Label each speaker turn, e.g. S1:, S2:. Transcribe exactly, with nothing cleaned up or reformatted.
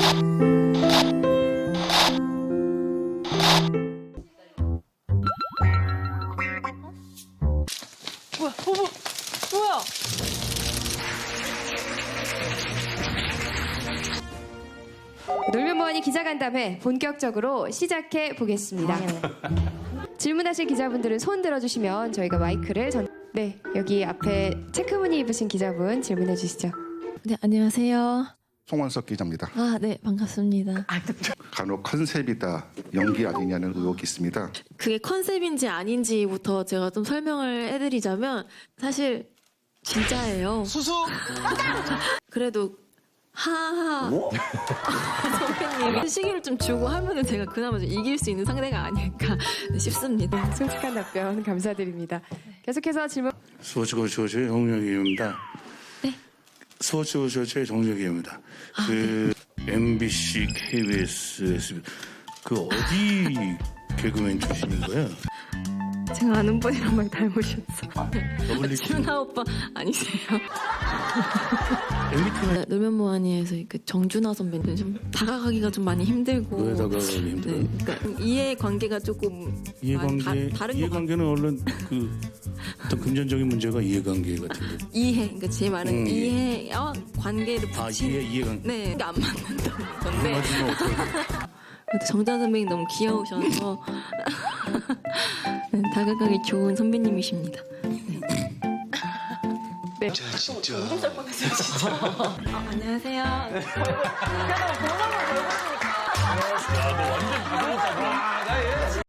S1: 뭐야, 어머, 뭐야?
S2: 놀면 뭐하니 기자간담회 본격적으로 시작해 보겠습니다. 질문하실 기자분들은 손 들어주시면 저희가 마이크를 전... 네, 여기 앞에 체크무늬 입으신 기자분 질문해 주시죠.
S3: 네, 안녕하세요.
S4: 송원석 기자입니다.
S3: 아, 네, 반갑습니다.
S4: 간혹 컨셉이다, 연기 아니냐는 의혹이 있습니다.
S3: 그게 컨셉인지 아닌지부터 제가 좀 설명을 해드리자면 사실 진짜예요.
S1: 수수!
S3: 그래도 하하 선배님이 시기를 좀 주고 하면은 제가 그나마 좀 이길 수 있는 상대가 아닐까 싶습니다.
S2: 솔직한 답변 감사드립니다. 계속해서 질문.
S5: 소주고쇼의 정력이입니다.
S3: 네.
S5: 소주고쇼의 정력이입니다. 그 엠비씨, 케이비에스, 에스비씨 그 어디 개그맨 출신인 거야?
S3: 제가 아는 분이랑 말 닮으셨어.
S5: 더블유
S3: 준하 오빠 아니세요?
S5: 엠비티는
S3: 놀면 뭐하니에서 그 정준하 선배님 좀 다가가기가 좀 많이 힘들고.
S5: 왜 다가가기 힘들어?
S3: 네, 그러니까 이해 관계가 조금
S5: 이해관계
S3: 아, 다, 다른 것
S5: 이해관계는 얼른 그 어떤 금전적인 문제가 이해관계 같은데.
S3: 이해, 그러니까 제 말은
S5: 음,
S3: 이해와 관계를
S5: 아
S3: 붙이는
S5: 이해 이해관계.
S3: 네, 그게 안 맞는다는 건데.
S5: 맞으면 어떡해?
S3: 정자 선배님 너무 귀여우셔서 네, 다가가기 좋은 선배님이십니다.
S2: 네.
S1: 진짜.
S3: 아, 안녕하세요.
S1: 아, 너 완전 가져왔다. 와, 나 얘.